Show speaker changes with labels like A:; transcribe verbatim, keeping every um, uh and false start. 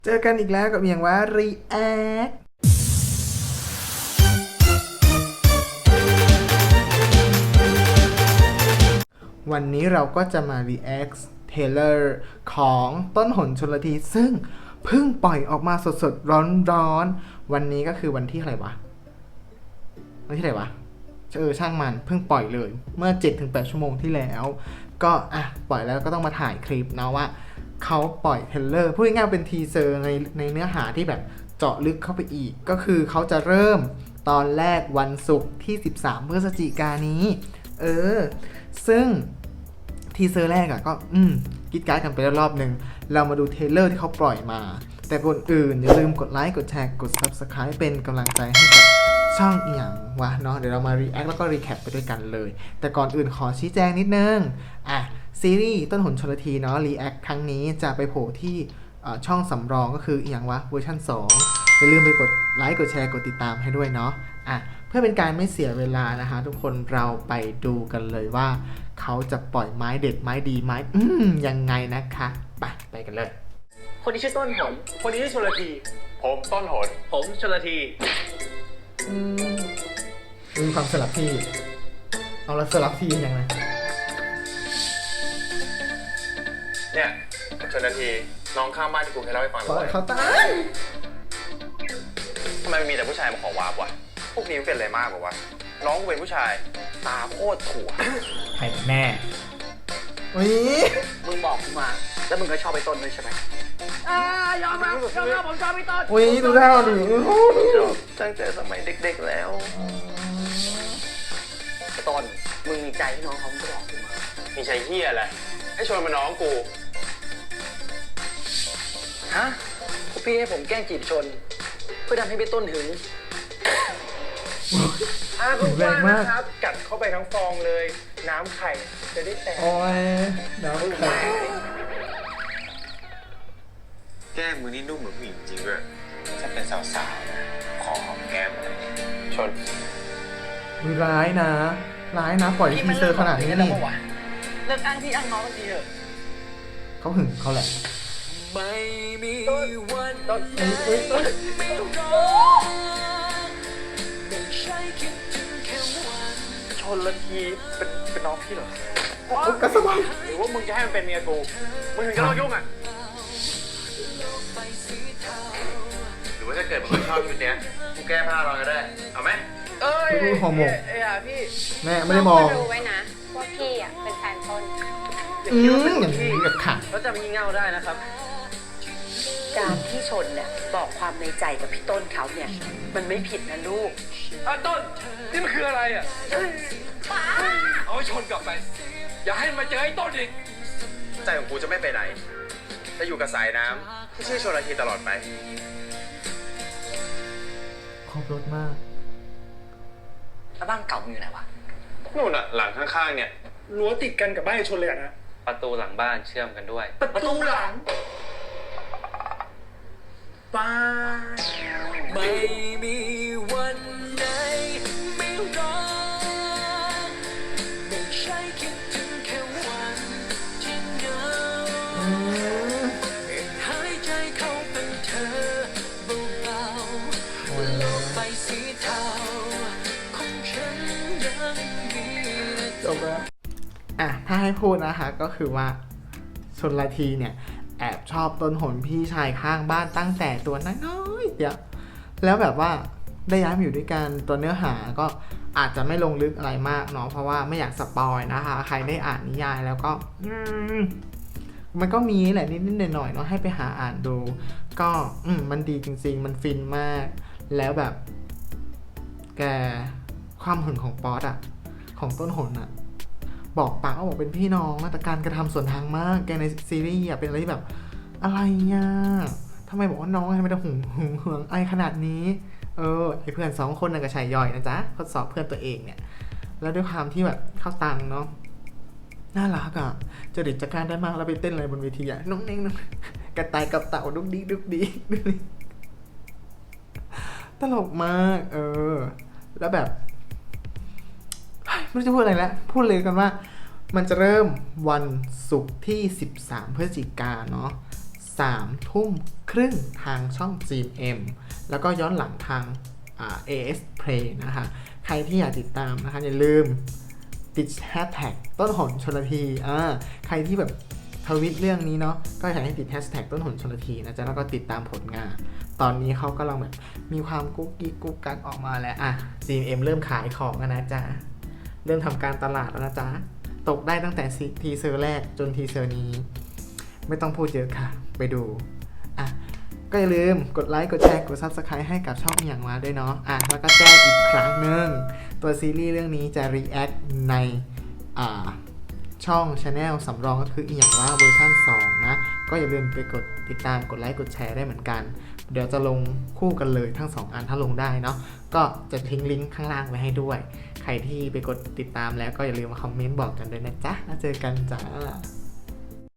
A: เจอกันอีกแล้วกับอย่างว่า React วันนี้เราก็จะมา React Trailer ของต้นหนชลทีซึ่งเพิ่งปล่อยออกมาสดๆร้อนๆวันนี้ก็คือวันที่อะไรวะวันที่ไหนวะเออช่างมันเพิ่งปล่อยเลยเมื่อ เจ็ดถึงแปด ชั่วโมงที่แล้วก็อ่ะปล่อยแล้วก็ต้องมาถ่ายคลิปนะว่าเขาปล่อยเทรลเลอร์พูดง่ายๆเป็นทีเซอร์ในในเนื้อหาที่แบบเจาะลึกเข้าไปอีกก็คือเขาจะเริ่มตอนแรกวันศุกร์ที่สิบสามพฤศจิกายนนี้เออซึ่งทีเซอร์แรกอะก็อืมกิ๊ดการ์ดกันไปแล้วรอบหนึ่งเรามาดูเทรลเลอร์ที่เขาปล่อยมาแต่ก่อนอื่นอย่าลืมกดไลค์กดแชร์กด Subscribe เป็นกำลังใจให้กับช่องอีหยังวะเนาะเดี๋ยวเรามา react แล้วก็ recap ไปด้วยกันเลยแต่ก่อนอื่นขอชี้แจงนิดนึงอ่ะซีรีส์ต้นหนชลทีเนาะ react ครั้งนี้จะไปโผล่ที่ช่องสำรองก็คืออีหยังวะเวอร์ชันสองอย่าลืมไปกดไลค์กดแชร์กดติดตามให้ด้วยเนาะอ่ะเพื่อเป็นการไม่เสียเวลานะคะทุกคนเราไปดูกันเลยว่าเขาจะปล่อยไม้เด็ดไม้ดีไม้อืมยังไงนะคะไปไปกันเลย
B: คนนี้ชื่อต้นหน
C: คนนี้ชื่อชลทีผมต้นหน
B: ผมชลที
A: อืมมีความสลับที่เอาละสลับที่ยังไง
C: เนี่ยชลทีน้องข้างบ้านที่กูเคยเล่าให้ฟัง
A: บ่อยเขาตาย
C: ทำไมมีแต่ผู้ชายมาขอวาร์ปวะพวกนี้มันเป็นอะไรมากกว่าน้องกูเป็นผู้ชายตาโคตรถั่ว
A: ใครแน่อุ้ย
B: มึงบอกกูมาแล้วมึงก็ชอบไปต้นด้วยใช่ไหมอ่ายอมรับยอมรับผมชอบไปต้น
A: อุ้ยดูท่าดู
C: ตั้งแต่สมัยเด็กๆแล้ว
B: ไอ้ต้นมึงมีใจให้น้องเขาไม่บอกกูมา
C: มีใจเหี้ยอะไรให้ชวนมาน้องกู
B: ฮะพวกพี่ให้ผมแกล้งจีบชนเพื่อทำให้พี่ต้นหึง
A: อ่าคุณแรงมาก
C: ครับกัดเข้าไปทั้งฟองเลยน้ำไข่จะได้แตก
A: โอ้ยน้ำไข่
C: แก้มมือนี่นุ่มเหมือนผู้หญิงจริงด้วยถ้าเป็นสาวๆขอหอมแก้มอะไรชน
A: มีร้ายนะร้ายนะปล่อยทีเซอร์ขนาดนี้นี่
B: เลิกอ้างพี่อ้างน้องกันทีเถอะ
A: เขาหึงเขาแหละ
B: ไม่มีวันต้นต้นไม่รอไม่ใช่คิดถึงแค่วันชนละทีเป็นเป็นน้องพี่เหรอก
A: ระสบัง
C: หรือว่ามึงจะให้มันเป็นเมียกูมึงถึงจะเลิกยุ่งอ่ะหรือว่าถ้าเกิดมึงไม่ชอบชุดเนี้ยกูแก้ผ้ารอก็ได้เอาไหม
B: เอ้ย
A: ฮอร์โมน
B: ไอ้ห่าพี่
A: แม่ไม่ได้มอง
D: รู้ไว้นะว่าพี่อ่ะเป็นแฟนต้น
A: อืมอย่างนี้แบบขัด
B: แล้วจะมีเงาได้นะครับ
D: การที่ชนเนี่ยบอกความในใจกับพี่ต้นเขาเนี่ยมันไม่ผิดนะลูก
C: อ่ะต้นนี่มันคืออะไรอ่ะเอาชนกลับไปอย่าให้มาเจอไอ้ต้นอีกใจของกูจะไม่ไปไหนจะอยู่กับสายน้ำที่ชื่อชลทีตลอดไป
A: ครบรถมาก
B: แล้วบ้านเก่ามึงอยู่ไหนวะ
C: นู่นอ่ะหลังข้างๆเนี่ยรั้วติดกันกับบ้านชนเลยนะ
E: ประตูหลังบ้านเชื่อมกันด้วย
B: ประตูหลังบ้านไม่มีวันไหนไม่รอไม่ใช่คิดถึงแค่วันที่เหงาหายใจเข้าเป็นเธอเบาๆโลกใบสีเทาของฉันยังมี
A: จบแล้วอ่ะถ้าให้พูดนะคะก็คือว่าชลทีเนี่ยแอบชอบต้นหนพี่ชายข้างบ้านตั้งแต่ตัวน้อยๆเดียวแล้วแบบว่าได้ย้ายมาอยู่ด้วยกันตัวเนื้อหาก็อาจจะไม่ลงลึกอะไรมากเนาะเพราะว่าไม่อยากสปอยนะคะใครได้อ่านนิยายแล้วก็มันก็มีแหละนิดๆหน่อยๆเนาะให้ไปหาอ่านดูก็อืมมันดีจริงๆมันฟินมากแล้วแบบแกความหึงของป๊อตอะของต้นหนอะบอกปากว่าบอกเป็นพี่น้องแต่การกระทำส่วนทางมากแกในซีรีส์เป็นอะไรที่แบบอะไรอ่ะทำไมบอกว่าน้องทำไมต้องหึงหึงหึงไอขนาดนี้เออไอเพื่อนสองคนน่ะก็ชายย่อยนะจ๊ะทดสอบเพื่อนตัวเองเนี่ยแล้วด้วยความที่แบบเข้าตังเนาะน่ารักอ่ะจริตจักรานได้มากแล้วไปเต้นอะไรบนเวทีอ่ะน้องเน่งน้องกระต่ายกับเต่าดุกดิกดุกดิกตลกมากเออแล้วแบบไม่รู้จะพูดอะไรแล้วพูดเลยกันว่ามันจะเริ่มวันศุกร์ที่สิบสามพฤศจิกายนเนาะสามทุ่มครึ่งทางช่อง จี เอ็ม แล้วก็ย้อนหลังทางอ่า เอ เอส Play นะคะใครที่อยากติดตามนะคะอย่าลืมติดแฮชแท็กต้นหนชลทีอ่าใครที่แบบทวิตเรื่องนี้เนาะก็อยากให้ติดแฮชแท็กต้นหนชลทีนะจ๊ะแล้วก็ติดตามผลงาน ตอนนี้เขากำลังแบบมีความกุ๊กกิ๊กกุ๊กกักออกมาแล้วอ่ะ จี เอ็ม เริ่มขายของแล้วนะจ๊ะเริ่มทำการตลาดแล้วนะจ๊ะตกได้ตั้งแต่ทีเซอร์แรกจนทีเซอร์นี้ไม่ต้องพูดเยอะค่ะไปดูอ่ะก็อย่าลืมกดไลค์กดแชร์กด ซับสไครบ์ ให้กับช่องอย่างมาด้วยเนาะอ่ะแล้วก็แจ้งอีกครั้งหนึ่งตัวซีรีส์เรื่องนี้จะ react ในอ่าช่อง Channel สำรองก็คืออีอย่างว่าเวอร์ชันสองนะก็อย่าลืมไปกดติดตามกดไลค์กดแชร์ได้เหมือนกันเดี๋ยวจะลงคู่กันเลยทั้งสองอันถ้าลงได้เนาะก็จะทิ้งลิงก์ข้างล่างไว้ให้ด้วยใครที่ไปกดติดตามแล้วก็อย่าลืมมาคอมเมนต์บอกกันด้วยนะจ๊ะแล้วเจอกันจ้า